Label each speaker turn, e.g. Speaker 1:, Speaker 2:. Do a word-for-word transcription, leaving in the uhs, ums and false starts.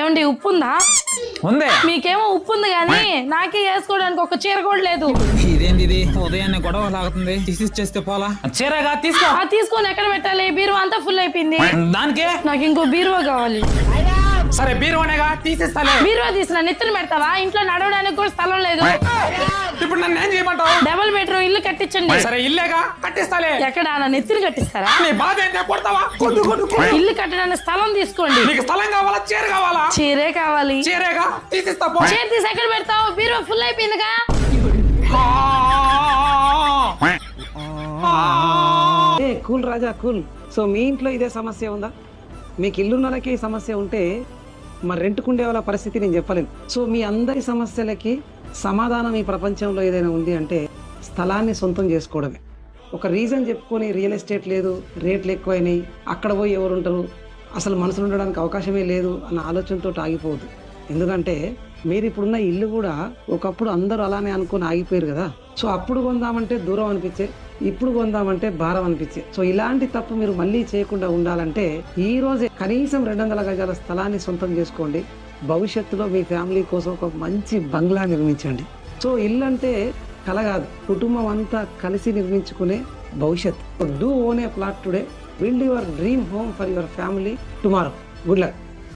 Speaker 1: ఏమండి ఉప్పు ఉందా?
Speaker 2: ఉందే.
Speaker 1: మీకేమో ఉప్పు ఉంది కానీ నాకే వేసుకోవడానికి ఒక చీర కూడా లేదు.
Speaker 2: ఇదేంది ఇది ఉదయాన్నే గొడవ లాగుతుంది, తీసిచ్చేస్తే పోలా. చీరగా తీసుకో.
Speaker 1: తీసుకొని ఎక్కడ పెట్టాలి? బీరువా అంతా ఫుల్ అయిపోయింది.
Speaker 2: దానికే
Speaker 1: నాకు ఇంకో బీరువా కావాలి.
Speaker 2: సరే బీరువానేగా తీసిస్తాలే.
Speaker 1: బీరువా తీసిన నెత్తిన పెడతావా? ఇంట్లో నడవడానికి కూడా స్థలం లేదు.
Speaker 2: ఇప్పుడు నన్ను ఏం చేయమంటావు?
Speaker 1: డబుల్ బెడ్రూమ్ ఇల్లు కట్టించండి.
Speaker 2: సరే ఇల్లేగా కట్టిస్తాలే.
Speaker 1: ఎక్కడ నా నెత్తిన కట్టిస్తారా?
Speaker 2: నీ బాధ ఏంటో కొడతావా? కొట్టు కొట్టు.
Speaker 1: ఇల్లు కట్టడానికి స్థలం తీసుకోండి.
Speaker 2: నీకు స్థలం కావాలా చీర కావాలా?
Speaker 1: చీరే కావాలి.
Speaker 2: చీరేగా తీసిస్తా పో.
Speaker 1: చీర తీసి ఎక్కడ పెడతావు? బీరువా ఫుల్ అయిపోయిందిగా.
Speaker 3: ఏ కూల్ రాజా కూల్. సో మీ ఇంట్లో ఇదే సమస్య ఉందా? మీకు ఇల్లున్నలకి ఈ సమస్య ఉంటే మరి రెంట్కుండే వాళ్ళ పరిస్థితి నేను చెప్పలేను. సో మీ అందరి సమస్యలకి సమాధానం ఈ ప్రపంచంలో ఏదైనా ఉంది అంటే స్థలాన్ని సొంతం చేసుకోవడమే. ఒక రీజన్ చెప్పుకొని రియల్ ఎస్టేట్ లేదు, రేట్లు ఎక్కువైనాయి, అక్కడ పోయి ఎవరు ఉంటారు, అసలు మనుషులు ఉండడానికి అవకాశమే లేదు అన్న ఆలోచనతో ఆగిపోవద్దు. ఎందుకంటే మీరు ఇప్పుడున్న ఇల్లు కూడా ఒకప్పుడు అందరూ అలానే అనుకుని ఆగిపోయారు కదా. సో అప్పుడు కొందామంటే దూరం అనిపించే, ఇప్పుడు కొందామంటే భారం అనిపించే. సో ఇలాంటి తప్పు మీరు మళ్ళీ చేయకుండా ఉండాలంటే ఈ రోజే కనీసం రెండు వందల గజాల స్థలాన్ని సొంతం చేసుకోండి. భవిష్యత్తులో మీ ఫ్యామిలీ కోసం ఒక మంచి బంగ్లా నిర్మించండి. సో ఇల్లు అంటే కల కాదు, కుటుంబం అంతా కలిసి నిర్మించుకునే భవిష్యత్. Do own a plot today, build your dream home for your family tomorrow. Good luck.